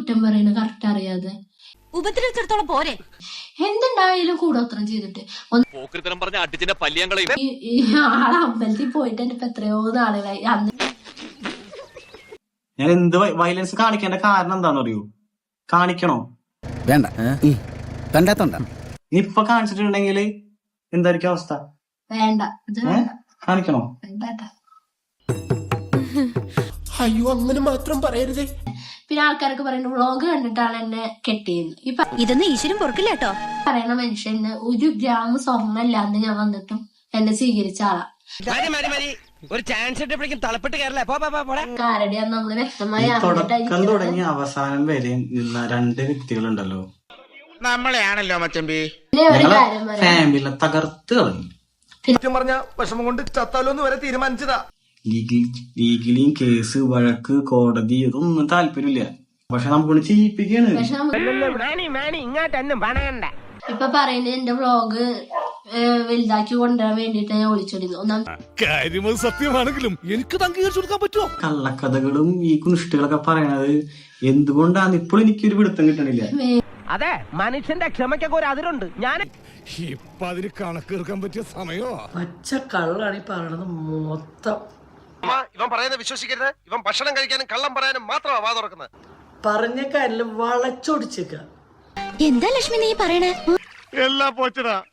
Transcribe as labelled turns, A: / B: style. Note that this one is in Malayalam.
A: കുറ്റം പറയുന്നത് കറക്റ്റ് അറിയാതെ
B: ഉപദ്രവിച്ചിടത്തോളം പോരെ.
A: എന്തുണ്ടായാലും കൂടോത്രം ചെയ്തിട്ട് ഈ ആളെ അമ്പലത്തിൽ പോയിട്ട് ഇപ്പൊ എത്രയോ നാളുകളായി. അന്ന്
C: ഞാൻ എന്ത് വയലൻസ് കാണിക്കേണ്ട കാരണം എന്താണെന്ന് അറിയൂ? കാണിക്കണോ?
D: വേണ്ട, കണ്ടാത്തോണ്ട.
C: ഇപ്പൊ കാണിച്ചിട്ടുണ്ടെങ്കിൽ എന്തായിരിക്കും അവസ്ഥ?
A: വേണ്ട,
C: കാണിക്കണോ?
E: അയ്യോ, അങ്ങനെ മാത്രം പറയരുതേ.
A: പിന്നെ ആൾക്കാരൊക്കെ പറയുന്നത് വ്ളോഗ് കണ്ടിട്ടാണ് എന്നെ കെട്ടിയെന്ന്.
B: ഇതൊന്നും ഈശ്വരൻ പൊറുക്കില്ല കേട്ടോ.
A: പറയുന്ന മനുഷ്യന് 1 ഗ്രാം സ്വർണ്ണമില്ലാന്ന് ഞാൻ വന്നിട്ടും എന്നെ സ്വീകരിച്ച ആളാ.
E: ഒരു ചാൻസ്
A: കാരടി നമ്മള് വ്യക്തമായി
C: തുടക്കം തുടങ്ങി അവസാനം വരെ നിന്ന 2 വ്യക്തികളുണ്ടല്ലോ,
E: നമ്മളെയാണല്ലോ മച്ചമ്പി.
A: ഒരു കാര്യം പറയാം,
C: ഫാമിലിനെ തകർത്ത് കളഞ്ഞു.
E: പറഞ്ഞ വിഷമം കൊണ്ട് ചത്താലോന്ന് വരെ തീരുമാനിച്ചതാ.
C: ലീഗലിയും കേസ്, വഴക്ക്, കോടതി ഇതൊന്നും താല്പര്യമില്ല. പക്ഷെ നമുക്കൊന്ന് ചെയ്യിപ്പിക്കാണ്.
A: പക്ഷെ ഇപ്പൊ പറയുന്നത് എന്റെ വ്ളോഗ് വലുതാക്കി കൊണ്ടുവരാൻ വേണ്ടിട്ട് ഞാൻ ഒളിച്ചോടിയിരുന്നു.
D: കാര്യം സത്യമാണെങ്കിലും എനിക്ക് അംഗീകരിച്ചു കൊടുക്കാൻ പറ്റുമോ?
C: കള്ളക്കഥകളും ഈ കുനിഷ്ടുകളൊക്കെ പറയണത് എന്തുകൊണ്ടാണ് ഇപ്പോഴും എനിക്കൊരു പിടുത്തം കിട്ടണില്ല.
E: അതെ, മനുഷ്യന്റെ ക്ഷമയ്ക്കൊക്കെ ഒരു അതിരുണ്ട്. ഞാൻ
D: ഇപ്പൊ അതിന് കണക്കെടുക്കാൻ പറ്റിയ സമയോ?
F: പച്ച കള്ളാണ് ഈ പറയണത് മൊത്തം.
E: ഇവൻ പറയുന്നത് വിശ്വസിക്കരുത്. ഇവൻ ഭക്ഷണം കഴിക്കാനും കള്ളം പറയാനും മാത്രമാ വാ തുറക്കുന്നത്.
F: പറഞ്ഞ കാര്യം വളച്ചൊടിച്ചേക്ക.
B: എന്താ ലക്ഷ്മി നീ പറയണേ?
D: എല്ലാം പോച്ചടാ.